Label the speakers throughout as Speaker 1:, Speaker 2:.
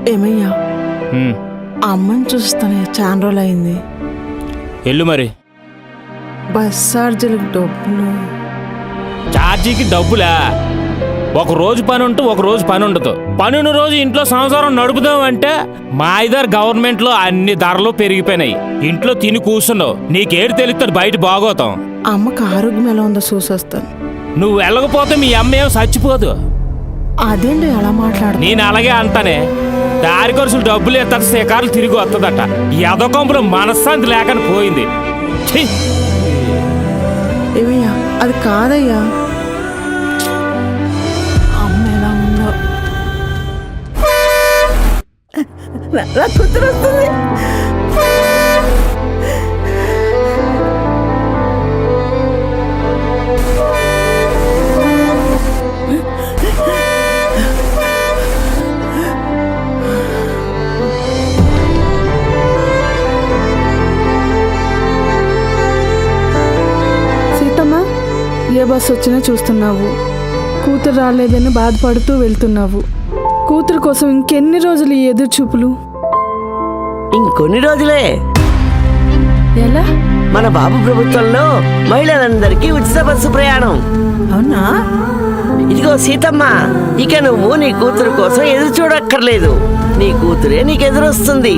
Speaker 1: ఏమయ్యా అమ్మని చూస్తానే చాలా రోజులు అయింది.
Speaker 2: ఎల్లు మరి.
Speaker 1: బస్ ఛార్జీలకు డబ్బులు.
Speaker 2: ఛార్జీకి డబ్బులా? ఒక రోజు పని ఉంటూ ఒక రోజు పని ఉండదు. పనున్న రోజు ఇంట్లో సంసారం నడుపుదాం అంటే మా ఇద్దరు గవర్నమెంట్లో అన్ని ధరలు పెరిగిపోయినాయి. ఇంట్లో తిని కూర్చున్నావు, నీకేడు తెలుస్తుంది బయట బాగోతాం.
Speaker 1: అమ్మకి ఆరోగ్యం ఎలా ఉందో చూసొస్తాను.
Speaker 2: నువ్వు వెళ్ళకపోతే మీ అమ్మ ఏం చచ్చిపోదు.
Speaker 1: అదేంటి ఎలా మాట్లాడు?
Speaker 2: నేను అలాగే అంటానే. దారి ఖర్చులు డబ్బులు ఎత్తాక శిఖరాలు తిరిగి వస్తుందట. ఎదకొంపులో మనశ్శాంతి లేకని పోయింది.
Speaker 1: ఏమయ్యా అది కాదయ్యా, అమ్మ ఎలా ఉందో నా కూతురు వస్తుంది.
Speaker 3: ఏ బస్సు వచ్చినా చూస్తున్నావు, కూతురు రాలేదని బాధపడుతూ వెళ్తున్నావు. కూతురు కోసం ఇంకెన్ని రోజులు ఈ ఎదురు చూపులు?
Speaker 4: ఇంకొన్ని రోజులే.
Speaker 3: ఎలా?
Speaker 4: మన బాబు ప్రభుత్వంలో మహిళలందరికీ ఉచిత బస్సు ప్రయాణం.
Speaker 1: అవునా?
Speaker 4: ఇదిగో సీతమ్మ, ఇక నువ్వు నీ కూతురు కోసం ఎదురు చూడక్కర్లేదు. నీ కూతురే నీకు ఎదురొస్తుంది.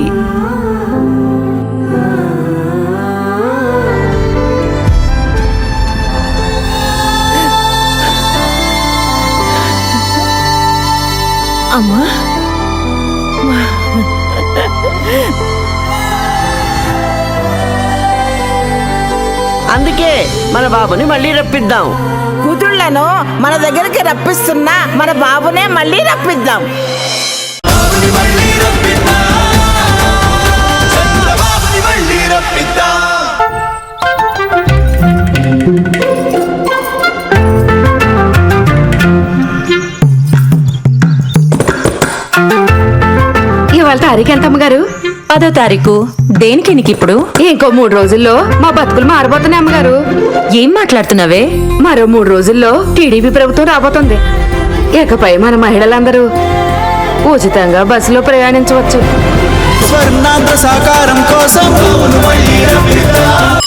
Speaker 1: అమ్మా
Speaker 4: అందుకే మన బాబుని మళ్ళీ రప్పిద్దాం.
Speaker 1: కూతుళ్ళను మన దగ్గరికి రప్పిస్తున్నా మన బాబునే మళ్ళీ రప్పిద్దాం.
Speaker 5: ఇవాళ తారీఖు ఎంత అమ్మగారు? 10వ తారీఖు. దేనికి నీకు ఇప్పుడు? ఇంకో 3 రోజుల్లో మా బతుకులు మారబోతున్నాయి అమ్మగారు. ఏం మాట్లాడుతున్నావే? మరో 3 రోజుల్లో టీడీపీ ప్రభుత్వం రాబోతుంది. ఇకపై మన మహిళలందరూ ఉచితంగా బస్సులో ప్రయాణించవచ్చు.
Speaker 6: స్వర్ణాంధ్ర సాకారం కోసం